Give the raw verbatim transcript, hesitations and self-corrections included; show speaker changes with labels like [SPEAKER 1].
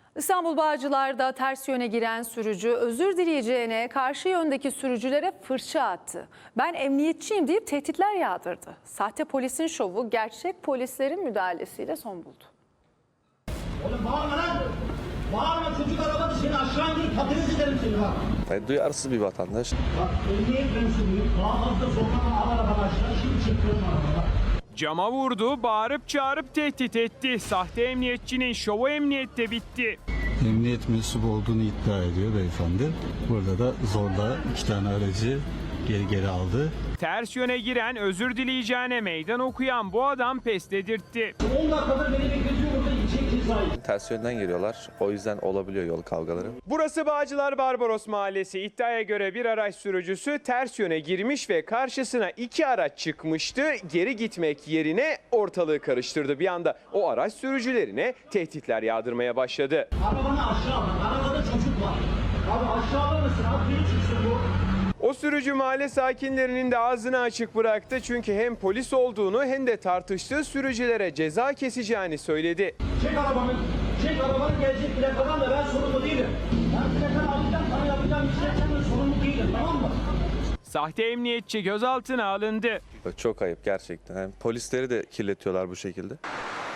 [SPEAKER 1] İstanbul Bağcılar'da ters yöne giren sürücü özür dileyeceğine karşı yöndeki sürücülere fırça attı. Ben emniyetçiyim deyip tehditler yağdırdı. Sahte polisin şovu gerçek polislerin müdahalesiyle son buldu.
[SPEAKER 2] Oğlum bağırma lan! Bağırma, çocuk arabada seni aşağı indirip patates ederim seni bak.
[SPEAKER 3] Yani duyarsız bir vatandaş.
[SPEAKER 2] Bak emniyet mensubuyum. Daha fazla zorlama, al arabanı aşağı. Şimdi çekiyorum arabada.
[SPEAKER 4] Cama vurdu, bağırıp çağırıp tehdit etti. Sahte emniyetçinin şovu emniyette bitti.
[SPEAKER 5] Emniyet mensubu olduğunu iddia ediyor beyefendi. Burada da zorla iki tane aracı geri geri aldı.
[SPEAKER 4] Ters yöne giren, özür dileyeceğine meydan okuyan bu adam pes dedirtti.
[SPEAKER 2] on dakikadır beni bekletiyor burada, içecek cezayı.
[SPEAKER 3] Ters yönden geliyorlar. O yüzden olabiliyor yol kavgaları.
[SPEAKER 4] Burası Bağcılar Barbaros Mahallesi. İddiaya göre bir araç sürücüsü ters yöne girmiş ve karşısına iki araç çıkmıştı. Geri gitmek yerine ortalığı karıştırdı. Bir anda o araç sürücülerine tehditler yağdırmaya başladı.
[SPEAKER 2] Arabanı aşağı al. Arabada çocuk var. Abi aşağı alır mısın? Abi beni çıksın bu.
[SPEAKER 4] O sürücü mahalle sakinlerinin de ağzını açık bıraktı. Çünkü hem polis olduğunu hem de tartıştığı sürücülere ceza keseceğini söyledi.
[SPEAKER 2] Çek arabanı. Çek arabanı, gelecek plakadan da ben sorumlu değilim. Ben plakanı alacağım, sana yapacağım işlerden de sorumlu değilim, tamam mı?
[SPEAKER 4] Sahte emniyetçi gözaltına alındı.
[SPEAKER 3] Çok ayıp gerçekten. Yani polisleri de kirletiyorlar bu şekilde.